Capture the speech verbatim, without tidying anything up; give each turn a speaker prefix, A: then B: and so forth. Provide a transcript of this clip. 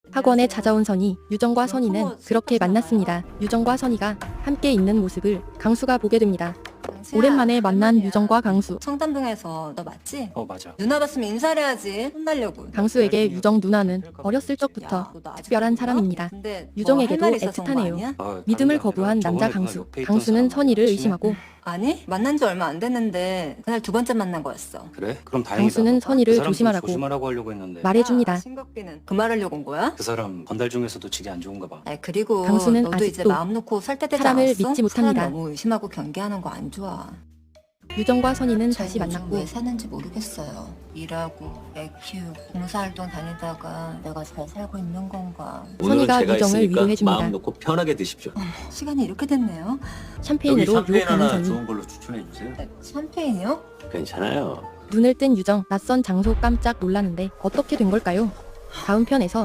A: 학원에 찾아온 선희, 유정과 선희는 그렇게 만났습니다. 유정과 선희가 함께 있는 모습을 강수가 보게 됩니다. 오랜만에 만난 유정과 강수.
B: 청담동에서 너 맞지?
C: 어 맞아.
B: 누나 봤으면 인사를 해야지. 혼나려고.
A: 강수에게 유정 누나는 어렸을 적부터 특별한 사람입니다. 유정에게도 애틋하네요.
C: 아,
A: 믿음을
C: 다른 게
A: 거부한
C: 아니라
A: 남자
C: 저번에 그날
A: 강수.
C: 옆에 있던
A: 강수는
C: 사람
A: 선희를
C: 친해?
A: 의심하고
B: 아니 만난 지 얼마 안 됐는데 그날 두 번째 만난 거였어.
C: 그래? 그럼 다행이다.
A: 강수는 선희를
C: 그 사람 좀
A: 조심하라고
C: 조심하라고 하려고 했는데
A: 말해줍니다.
B: 신곡비는 그 말하려고 온 거야?
C: 그 사람 건달 중에서도 질이 안 좋은가 봐.
B: 아니 그리고
A: 강수는
B: 너도 이제
A: 아직도
B: 마음 놓고 살 때 되지
A: 사람을
B: 않았어?
A: 믿지 못합니다.
B: 사람 너무 의심하고 경계하는 거 안 좋아.
A: 유정과 선희는
B: 저
A: 다시
B: 요즘
A: 만났고
B: 왜 사는지 모르겠어요. 일하고 애 키우고 봉사활동 다니다가 내가 잘 살고 있는 건가.
A: 선희가
D: 오늘은 제가
A: 유정을
D: 있으니까
A: 위로해줍니다.
D: 마음 놓고 편하게 드십시오.
B: 시간이 이렇게 됐네요.
A: 샴페인으로
D: 샴페인
A: 유혹하는
D: 하나
A: 선희.
D: 좋은 걸로 추천해 주세요.
B: 네, 샴페인이요?
D: 괜찮아요.
A: 눈을 뜬 유정. 낯선 장소 깜짝 놀라는데 어떻게 된 걸까요? 다음 편에서